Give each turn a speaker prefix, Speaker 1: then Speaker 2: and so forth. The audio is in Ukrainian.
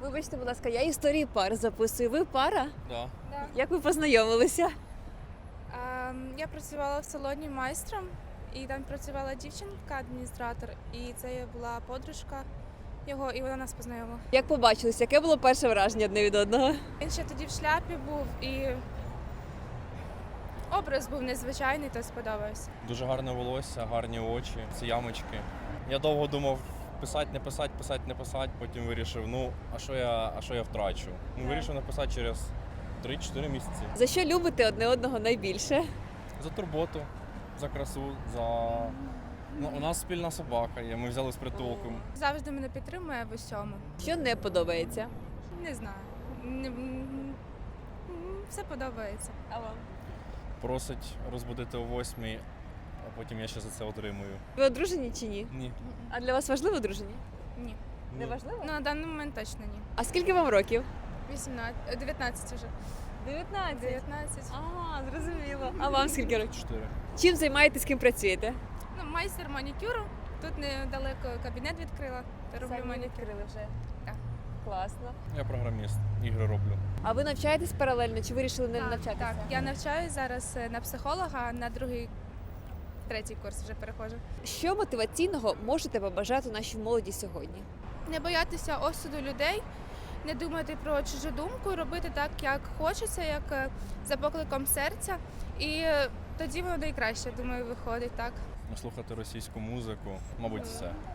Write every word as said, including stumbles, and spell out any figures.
Speaker 1: Вибачте, будь ласка, я історії пар записую. Ви пара?
Speaker 2: Да.
Speaker 3: Да.
Speaker 1: Як ви познайомилися?
Speaker 3: Ем, Я працювала в салоні майстром, і там працювала дівчинка, адміністратор, і це була подружка його, і вона нас познайомила.
Speaker 1: Як побачилися? Яке було перше враження одне від одного?
Speaker 3: Він ще тоді в шляпі був, і образ був незвичайний, то сподобався.
Speaker 2: Дуже гарне волосся, гарні очі, ці ямочки. Я довго думав, писати, не писати, писати, не писати, потім вирішив, ну, а що я, а що я втрачу? Ну, вирішив написати через три-чотири місяці.
Speaker 1: За що любите одне одного найбільше?
Speaker 2: За турботу, за красу, за... Ну, у нас спільна собака є, ми взяли з притулком.
Speaker 3: Завжди мене підтримує в усьому.
Speaker 1: Що не подобається?
Speaker 3: Не знаю. Не- м, Все подобається.
Speaker 1: А вам?
Speaker 2: Просить розбудити о восьмій, а потім я ще за це отримую.
Speaker 1: Ви одружені чи ні?
Speaker 2: Ні.
Speaker 1: А для вас важливо одружені?
Speaker 3: Ні.
Speaker 1: Не
Speaker 2: Ні.
Speaker 1: важливо?
Speaker 3: Ну, на даний момент точно ні.
Speaker 1: А скільки вам років?
Speaker 3: вісімнадцять, дев'ятнадцять вже.
Speaker 1: дев'ятнадцять.
Speaker 3: дев'ятнадцять.
Speaker 1: Ага, зрозуміло. А вам скільки років?
Speaker 2: Чотири.
Speaker 1: Чим займаєтесь, ким працюєте?
Speaker 3: Ну, майстер манікюру. Тут недалеко кабінет відкрила. Та роблю манікюр.
Speaker 1: вже.
Speaker 3: Так.
Speaker 1: Класно.
Speaker 2: Я програміст, ігри роблю.
Speaker 1: А ви навчаєтесь паралельно чи вирішили не
Speaker 3: Так,
Speaker 1: навчатися?
Speaker 3: так. Я навчаюсь зараз е, на психолога, на другий, третій курс вже переходжу.
Speaker 1: Що мотиваційного можете побажати нашій молоді сьогодні?
Speaker 3: Не боятися осуду людей, не думати про чужу думку, робити так, як хочеться, як е, за покликом серця. І е, тоді воно найкраще, думаю, виходить так.
Speaker 2: Слухати російську музику, мабуть, все.